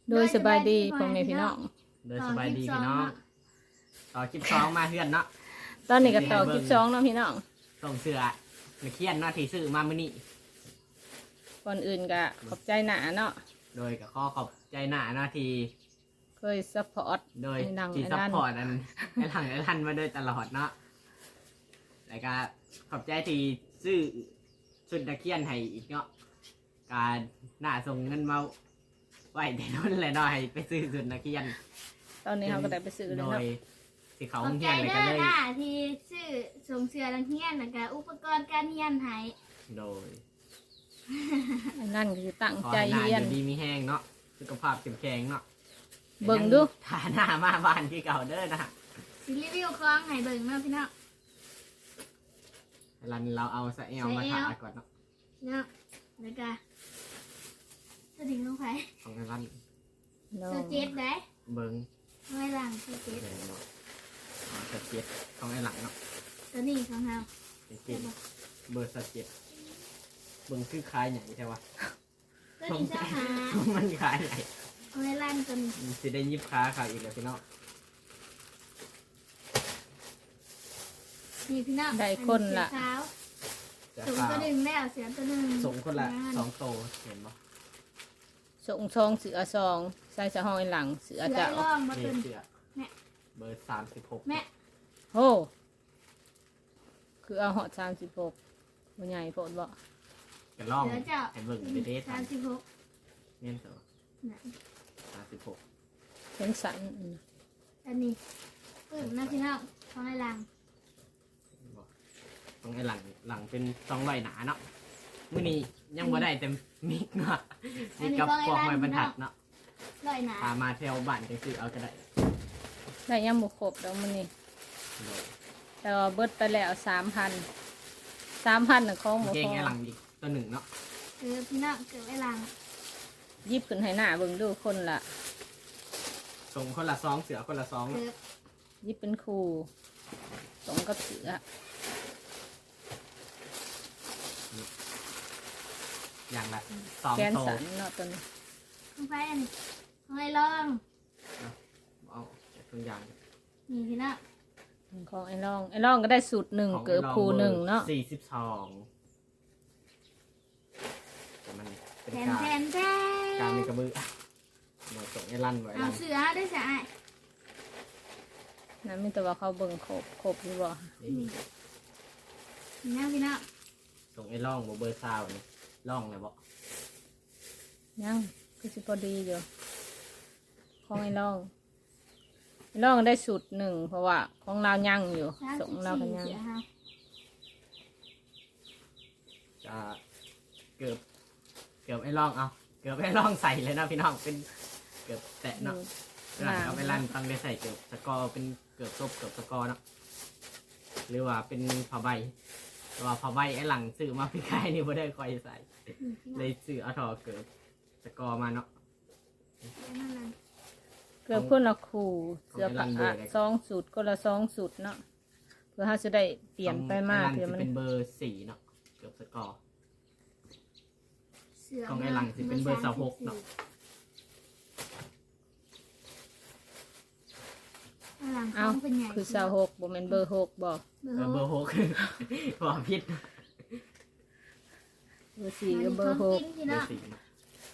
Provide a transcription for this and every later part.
โดยสบายดีพ่อแม่พี่น้องโดยสบายดีพี่น้องต่อคลิป2มาเพื่อนเนาะตอนนี้ก็ต่อคลิป2เนาะพี่น้องส่งเสือในเคียนเนาะที่ซื้อมามื้อนี้ก่อนอื่นก็ขอบใจหนาเนาะโดยก็ขอขอบใจหน้าเนาะที่เคยซัพพอร์ตโดยให้นั่งที่ให้ซัพนั่นพอร์ตอันไอ้หลังไอ้ทันมาโดยตลอดเนาะแล้วก็ขอบใจที่ซื้อชุดนักเคียนให้อีกเนาะการหน้าส่งเงินมาไว้แต่นั่นแหละเนาะให้ไปซื้อชุดนักเคียนตอนนี้เขาก็ได้ไปซื้อเลโดยเนาะยสิเขาขอบเฮีใจยนเลยเด้กันอเลยค่ะที่ซื้อส่งเสื้อนักเรียนแล้วก็อุปกรณ์การเรียนให้โดยอันนั่นก็คือตั้งขอใจให้หน้าเรียนอยู่ดีมีแห้งเนาะสุขภาพเข้มแข็งเนาะเบิ่งดูฐาหน้ามาบ้านที่เก่าเด้อนะสิรีวิวของให้เบิ่งเนาะพี่น้องรันเราเอาสะเอลมาถ่ายก่อนเนาะเนาะแล้วก็สดิ่งลงไปของรันน้อเสื้อง เจ็ดได้เบิ้งไม่หลังเสื้อเจ็ดเลยเนาะสะเจ็ดของไอ้หลังเนาะตัวนี้ของเราเป็นเกมเบอร์สะเจ็ดเบิ้งคือคล้ายใหญ่ใช่ปะตัวนี้เจ้าหามันคล้ายใหญ่เอาไว้ลั่นตัวนี้สิได้ยิบค้าขายอีกแล้วพี่น้องนี่พี่น้องได้คนละเท้าจะส่งข้าตัวหนึ่งแล้วเสือตัวหนึ่งส่งคนละ2โตเห็นปะส่งซองเสือซองใส่สะห้องไอ้หลังเสือเสือจะไอ้ร่องมานี่ตัวนี้เสือแม่เบอร์36 แม่โอ้คือเอาเหาะ36บ่ใหญ่โพดบ่กันล่องเสือเจ้าให้เบิ่งไปเดท 36 เงี้ยเถอะน่ะ 36 เป็นสันอันนี้ปึ้งนะพี่น้องของไอ้หลังของไอ้หลังเป็น200หนาเนาะมื้อนี้ยังบ่ได้เต็มมิกเนาะมีกับพวกไม้บรรทัดเนาะลอยหนาพามาแถวบ้านจังซื้อเอาก็ได้ได้ยังบ่ครบดอกมื้อนี้แต่ว่าเบิดไปแล้ว 3,000 น่ะของบ่เก่พงอไอ้หลังอีกตัวหนึ่งเนาะคือพี่น้องเกิดไอ้หลังยิบขึ้นให้หน้าเบิ่งดูคนละส่งคนละ2เสือคนละ2 เกิดยิบเป็นครูสมกับเสืออย่างละแกน 2โตสันเนาะตัวนี้ของไฟอันนี้ของไอ้ลองเอาตัวอย่างนี่พี่น้องของไอ้ร่องก็ได้สูตรหนึ่งเกือบครูหนึ่งเนาะ 42แต่มันเป็นแทนการแทนแทการนมีกระบือหมดส่งไอ้ลั่นไว้เอาลั่นเสือได้สะอาดนั่นมีแต่ว่าเขาเบิ่งครบอยู่บ่นี่นี่นะพี่น้องส่งไอ้ล่องบ่เบอร์ซาวนี่ล่องเลยบ่ยังคือสิพอดีอยู่ของไอ้ร่องได้สูตรหนึ่งเพราะว่าของเรายังอยู่ส่งเรากันยังเสือค่ะจะเกือบไอ้ล่องเอาเกือบไอ้ล่องใส่เลยเนาะพี่น้องเป็นเกือบแตะเนาะ หลังเอาไปลั่นต้องได้ใส่เกือบสกอร์เป็นเกือบซบเกือบสกอร์เนาะหรือว่าเป็นผ้าใบแต่ว่าผ้าใบไอ้หลังซื้อมาพี่กายนี่ไม่ได้คอยใส่ เลยซื้อเอาทอเกือบสกอร์มาเนาะเกือบคนละครูเสื้อของไอ้ร่ผ้าองเบอร์อะไรสองสูตรคนละสองสูตรเนาะเพื่อเขาจะได้เปลี่ยนไปมากของเพื่อไอ้หลังมันสิเป็นเบอร์4เนาะเกือบสกอร์เสือของไอ้หลังสิเป็นเบอร์26เนาะไอ้หลังเอาของเป็นใหญ่คือ26บ่แม่นเบอร์6บ่เบอร์เบอร์หก 6 บอกผิดเบอร์4กับเบอร์ของกินพี่เบอน้องร์4เนาะ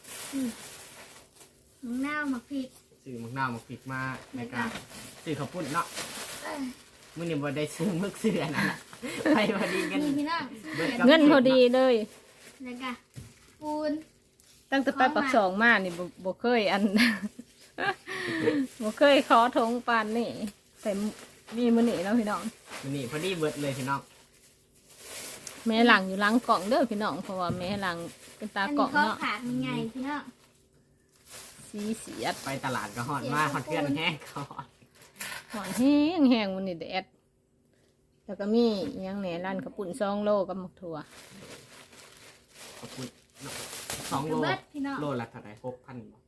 มึงหน้าวหมักพริกซื้อมักนาวมาพริกมาในการซื้อข้าวปุ้นเนาะเอ้ยมื้อนี้บ่ได้ซื้อมึกซื้ออันนั้นน่ะไปพอดีกันนี่พี่น้องเบิด 6 กับเงินพอดีเลยแล้วก็ปูนตั้งแต่ไปปักสองมานี่บ่เคยอัน บ่เคยขอทงปานนี่แต่มีมื้อนี้เนาะพี่น้องมื้อนี้พอดีเบิดเลยพี่น้องแม่หลังอยู่หลังกล่องเด้อพี่น้องเพราะว่าแม่หลังเป็นตาอันกล่นี้องข้อเนาะขาดมันใหญ่พี่น้องสีเสียดไปตลาดก็ฮอดมาฮอดเพื่อนแห้งก็ฮอดหอนแห้งแห้งวันนี้แดดแล้วก็มีอิหยังแหน่ร้านข้าวปุ่น2 โลกับหมกถั่วขอบคุณเนาะ2 โลเบิดพี่น้องโลละเท่าไหร่6,000บ่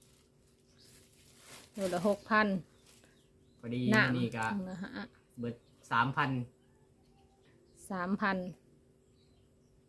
โลละ6,000 พอดีน้นี่ก็ำนะฮะเบิด 3,000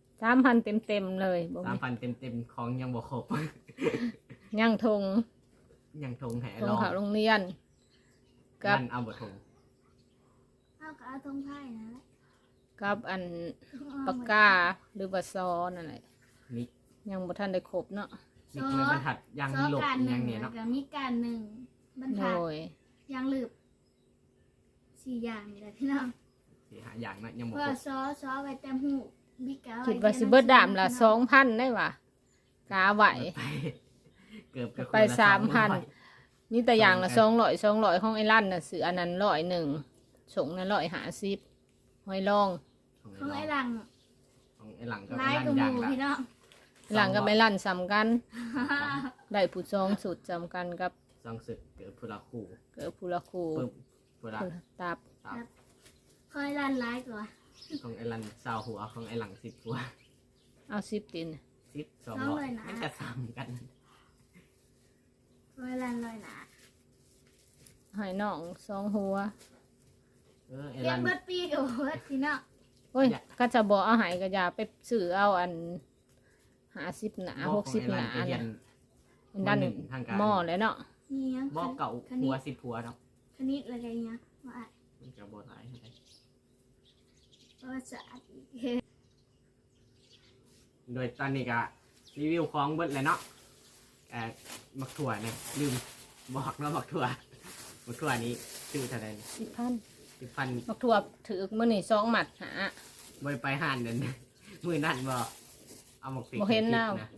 เต็มเลยบ่มี 3,000เต็มๆของยังบ่ครบย่างทงยังทงแห่ตรลงองเขาโรงเรียน กับลั่นเอาบททงเอากับเอาทงไพ่นะกับอันปากกาหรือว่าซอนั่นแหละมิกยังบ่ทันได้ครบเนาะมิกเลยบรรทัดยังซอหลบการหยันึ่งงเนี่ยแล้เนาะวก็มีการหนึ่งบรรโดทัดยยังหลืบ4อย่างนี่แหละพี่น้องสี่หาอย่างนะยังบเพอกราะว่าซอไว้แต้มหูบิ๊กกาไว้คิดว่าสิเบิดดามละ2,000ได้ว่ะกาไหวไปเกือบจะไปคนละ 3,000 มีแต่อย่างละ200ของไอ้ลั่นน่ะซื้ออันนั้น101ส่งนั้น150หอยลองของไอ้หลังของไอ้หลังก็ร้ายลั่นกับหอย่างมูละพี่น้องหลังก็ไม่ลั่นซ้ำกัน ได้ผู้จองสุดจำกันกับสองศึกเกิดพุละคู่เกิดผู้ละครูปึ๊บพุละผู้ละตับตับคอยลั่นร้ายกว่าของไอ้หลังสาวหัวของไอ้หลัง10หัวเอา10ติน 200มันจะซ้ำกันคอยลั่นลอยหนาให้น้อง2หัวไอ้เรีหยลันงเบิดปีกับเบิดพี่น้องโอ้ยก็จะบอกเอาใหายก็อย่าไปซื้อเอาอัน50หนา60หนาเรียน่ะนเป็นด้านมหนึ่งทางการหม้อเลยเนาะนี่ยังบอกเก่าคณิหัวต 10หัวเนาะคณิตอะไรกันเนี่ยว่าอ่ะมันจะบ่หลายเท่าไหร่ประวัติศาสตร์อีกโดยตอนนี้ก็รีวิวของเบิดเลยเนาะมักถั่วเนี่ยลืมบอกเนาะมักถั่วมักถั่วนี้ชื่อเท่าไหร่ 10,000 10,000 บักถั่วถือมื้อนี้2หมัดหาบไปห่านเดิน มือนั่นบ่เอาหมกติบ่เห็นแล้วนะ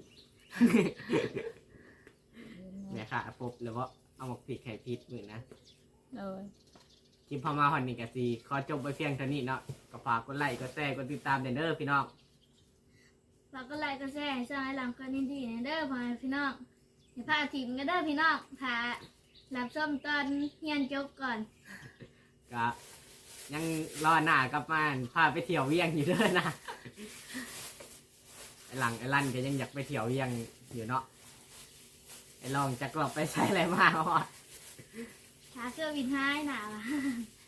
เนี่ยค่ะปุ๊บแล้วว่าเอาหมกติดไข่พิษมือนะเลยคลิปพอมาวันนี้กะซีขอจบไปเพียงเท่านี้เนาะก็ฝากกดไลค์กดแชร์กดติดตามเด้อพี่น้องเราก็ไลค์ก็แชร์ช่องไอ้หลังก็ยินดีนะเด้อพ่อแม่พี่น้องอย่าพาถิ่มกันเด้อพี่น้องพารับชมตอนเฮียนจบก่อนก็ยังรอหน้ากลับมาพาไปเที่ยวเวียงอยู่เด้อนะไอ้หลังไอ้ลั่นก็ยังอยากไปเที่ยวเวียงอยู่เนาะไอ้ลองจะกลับไปใช้อะไรมาฮอดหาเสื้อวินท้ายหนาวะ